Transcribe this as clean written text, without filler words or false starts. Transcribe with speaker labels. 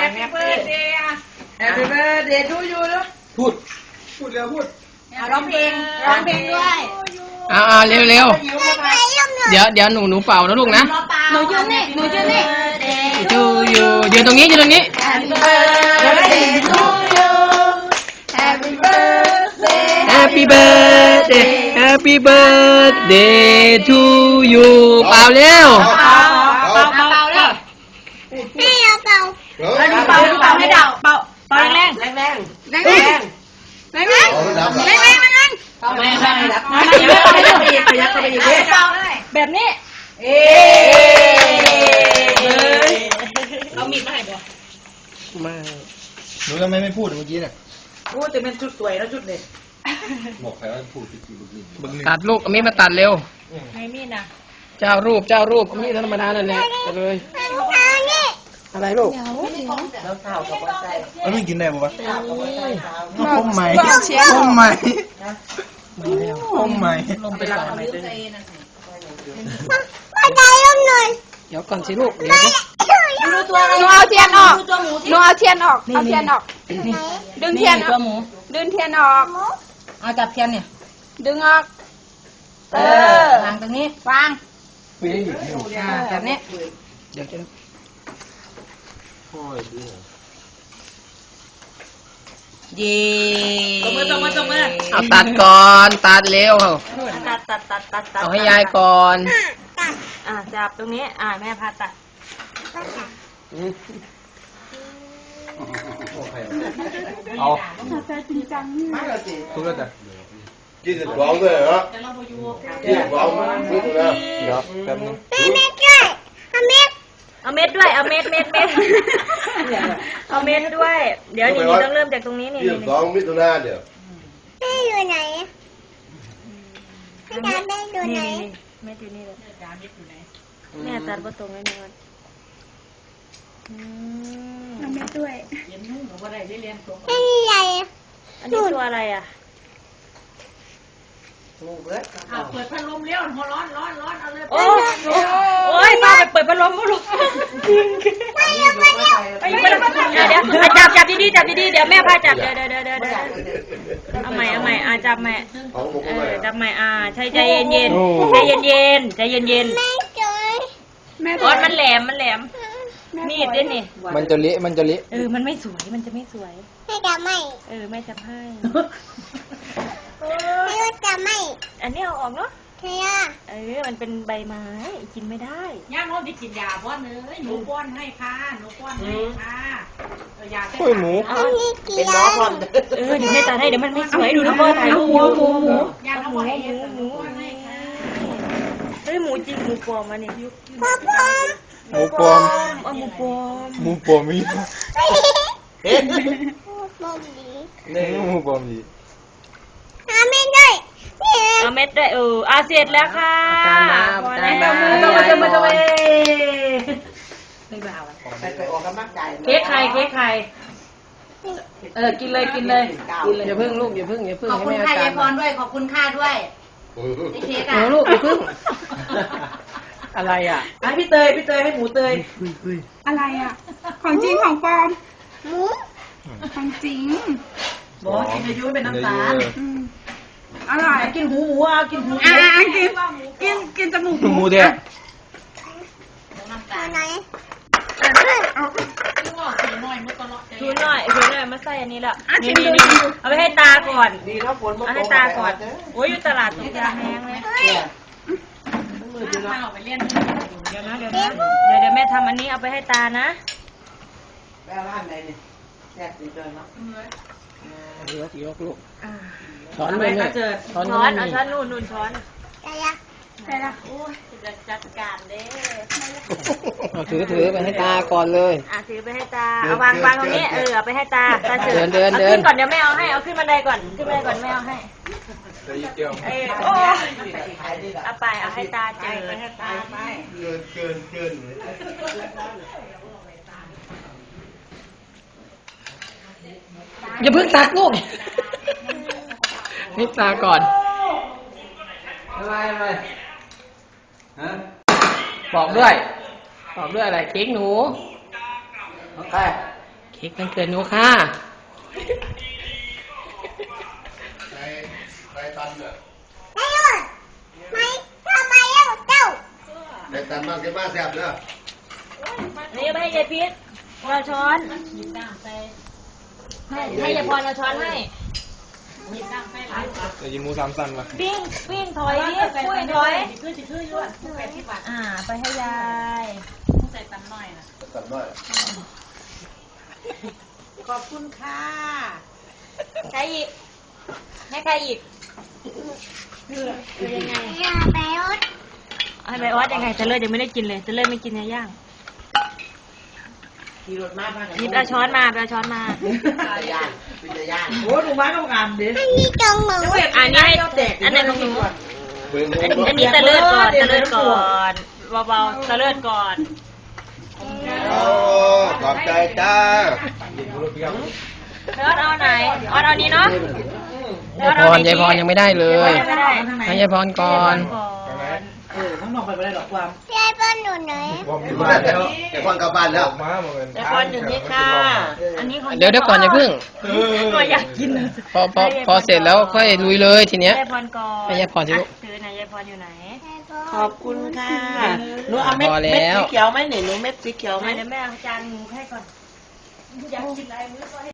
Speaker 1: Happy birthday อ่ะ Happy birthday to you ลูกพูดเร็วพูดร้องเพลงด้วย
Speaker 2: เร็วเดี๋ยวหนูเป่านะลูกนะ
Speaker 1: หนูยืนนี่
Speaker 2: ยืนตรงนี้
Speaker 1: Happy birthday to you Happy birthday
Speaker 2: Happy birthday to you เป่าเร็ว
Speaker 1: เป่าเลยให้เราเป่าให้เดาเป่าแรงแบบนี้เอามีดมาให้บ่
Speaker 2: มา
Speaker 3: หนูทำไมไม่พูดเมื่อกี้เนี่ย
Speaker 1: พูดจะเป็นชุดสวยแล้วชุดเด็ด
Speaker 3: บอกใครว่าพูดผิดบึ้ง
Speaker 2: ตัดลูกเอามีดมาตัดเร็ว
Speaker 1: ให้มีดนะ
Speaker 2: เจ้ารูปเอามีดธรรมดานั่นแหละเลยอะไรลูก
Speaker 3: แล้วไม่กินได้ปะวะต้มใหม่ลง
Speaker 2: ไปก่อนเดี๋ยวก่อนสิลูก
Speaker 1: ดูตัวหนูเอาเทียนออกเอาเทียนออกดึงเทียนตัวหมูดึงเทียนออกเอาจับเทียนเนี่ยดึงออกวางตรงนี้วางแบบนี้
Speaker 2: เดี๋ยวจะ
Speaker 1: เย่ตบมือ
Speaker 2: เอาตัดก่อนตัดเร็ว
Speaker 1: ตัด
Speaker 2: เอาให้ยายก่อน
Speaker 1: จับตรงนี้แม่พาตัด
Speaker 3: เอาจริงจังไม่ละสิทุกคนจะกินเสร็จร้องเลยเหรอกินร้องนี่ถูกแล้วเดี๋ยวแป๊บนึง
Speaker 1: เอาเม็ดด้วยเอาเม็ดด้วยเดี๋ยวนี่ต้องเริ่มจากตรงนี้นี่
Speaker 3: 22 มิถุนายนเดี๋ยว
Speaker 4: แม่อยู่ไหนแม่อยู่ไหน
Speaker 1: แม่อยู่นี่เลยแม่ตัดประตูไว้นี่ก่อน
Speaker 4: เอาแม่ด้วย
Speaker 1: เรียนนุ่งกับอะไรได้เรียนตัว
Speaker 4: แม่ใหญ่
Speaker 1: อันนี้ตัวอะไรอ่ะเปิดพัดลมเลี้ยวหัวร้อนเอาเลยโอ้ยป้าไปเปิดพัดลมก็ลุกไปจับดีเดี๋ยวแม่พาจับเดี๋ยวเอาใหม่จับใหม่จับใหม่ใช่ใจเย็น
Speaker 4: แม่
Speaker 1: ก้อนมันแหลมมีดด้วยนี่
Speaker 2: มันจะเละ
Speaker 1: มันไม่สวยมันจะไม่สวย
Speaker 4: แม่จะไม่
Speaker 1: แม่จะให้
Speaker 4: แม่จะไม่
Speaker 1: อันนี้เอาออกเนาะ
Speaker 4: ใช่
Speaker 1: มันเป็นใบไม้กินไม่ได้
Speaker 5: ย่าโน้ตไปกินยาป้อนเลยหนูป้อนให้ค่ะยา
Speaker 2: โอ้ยหมู
Speaker 4: เป็นน้องพร้อม
Speaker 1: เดี๋ยวแม่ตัดให้เดี๋ยวมันไม่สวยดูนะพ่อถ่ายรูปหมู
Speaker 5: ยาเขาบอกให้หมูให้ค่ะ
Speaker 1: หมูจริงหมูปลอมมาเนี่ย
Speaker 2: หมูปลอม
Speaker 1: หมูป
Speaker 2: ลอมมี
Speaker 3: หมูปลอมดี
Speaker 4: เอาเม็ดด้วย
Speaker 1: เสร็จแล้วค่ะ
Speaker 5: พอแล้วมาไม่บ้า
Speaker 1: ไปออกกำลังกายเค้กใครกินเลย
Speaker 2: อย่าพึ่งลูกอย่าพึ่ง
Speaker 5: ขอบคุณค่ายายพรด้วยขอบคุณค่าด้วยเค้ก
Speaker 2: ลูกอย่าพึ่งอะไร
Speaker 1: พี่เตยให้หมูเตย
Speaker 4: อะไรของจริงของปลอมหมูของจริง
Speaker 5: บอกกินอายุเป็นน้ำตาล
Speaker 1: อร่อยกินหูกิน
Speaker 4: กินจมูก
Speaker 2: หมูเดียว
Speaker 4: ไหน
Speaker 1: ชูหน่อยมาใส่อันนี้ละนี่เอาไปให้ตาก่อนเอาให้ตาก่อนโอ้ยอยู่ตลาดตกยาแห้งเลยเดี๋ยวแม่ทำอันนี้เอาไปให้ตานะ
Speaker 2: แม่ร้านไหนเนี่ยแซ่บดีเลยเนาะยกลูกช้อนเลยเนี่ย
Speaker 1: ช้อนเอาช้อนนู่นช้อน
Speaker 4: ใช่ละ
Speaker 1: โอ้ยจะจัดการเด้
Speaker 2: ถือไปให้ตาก่อนเลย
Speaker 1: ถือไปให้ตาเอาวางตรงนี้เอาไปให้ตาเชิญ
Speaker 2: เดิน
Speaker 1: ขึ้นก่อนเดี๋ยวแม่เอาให้เอาขึ้นบันไดก่อนแม่เอาให้เอาไปเอาให้ตาเจอให้ตาไป
Speaker 3: เกิน
Speaker 2: อย่าเพิ่งตักลูกนี่ตาก่อน
Speaker 3: อะไรฮะ
Speaker 2: บอกด้วยอะไรเค้กหนู
Speaker 3: ใคร
Speaker 2: เค้กวันเกิดหนูค่ะ
Speaker 3: ไปตันเนี่ย
Speaker 6: ไม่หยุดไม่ทำไมเล่าเจ้า
Speaker 3: ไปตันมากจะมาแซ่บเด้อ
Speaker 1: นี่ไปให้ยายพิษเราช้อนให้ยายพรเราช้อนให้
Speaker 3: จะยินมูสามสันมา
Speaker 1: ปิ้งถอยดิปุ้ยถอยไปให้ยาย
Speaker 3: ตันน้อย
Speaker 5: ขอบคุณค่ะ
Speaker 1: ใครอีกให้ใครอีกคือยังไง
Speaker 6: อย่าไปรถ
Speaker 1: ให้ใบออสยังไงจะเลิศยังไม่ได้กินเลยจะเลิศไม่กินเนื้อย่าง
Speaker 5: ขี่รถมาพากัน
Speaker 1: หยิบเอาช้อนมาเอาช้อนมา
Speaker 5: ย่านเป็นย่านโอ้ดูมาต้องงามดิ
Speaker 6: อันนี้จงหนู
Speaker 1: อันนี้ให้อันนี้ของหนูอันนี้จะเลิศก่อนจะเลิศก่อนเบาๆจะเลิศก่อน
Speaker 3: โอ้ขอบใจจ้า
Speaker 1: เลิศเอาไหนออสเอานี้เนาะ
Speaker 2: ยายพรยังไม่ได้เลย
Speaker 1: ไม่ได้
Speaker 2: ให้ยายพรก่อน
Speaker 5: ข้างนอกไปไม่ได้หรอกความ
Speaker 6: ยายป้อนหนูหน่อย
Speaker 3: เดี๋ยวพ่อกลับบ้านแล้ว
Speaker 5: แต่พรอยู่นี่ค่ะ
Speaker 1: อันนี้ของ
Speaker 2: เดี๋ยวก่อนอย่าเพิ่ง
Speaker 1: ตัวอยากกิน
Speaker 2: พอเสร็จแล้วค่อยลุยเลยทีเนี้ย
Speaker 1: ยายพรก่อน
Speaker 2: ให้ยายพรสิลูก
Speaker 1: ถือไหนยายพรอยู่ไหน
Speaker 5: ขอบคุณค่ะหนูเอาเม็ดสีเขียวไหมหนูเม็ดสีเขียวไหม
Speaker 1: เดี๋ยวแม่เอาจานหมูให้ก่อนอยากกินอะไรมื้อก่อน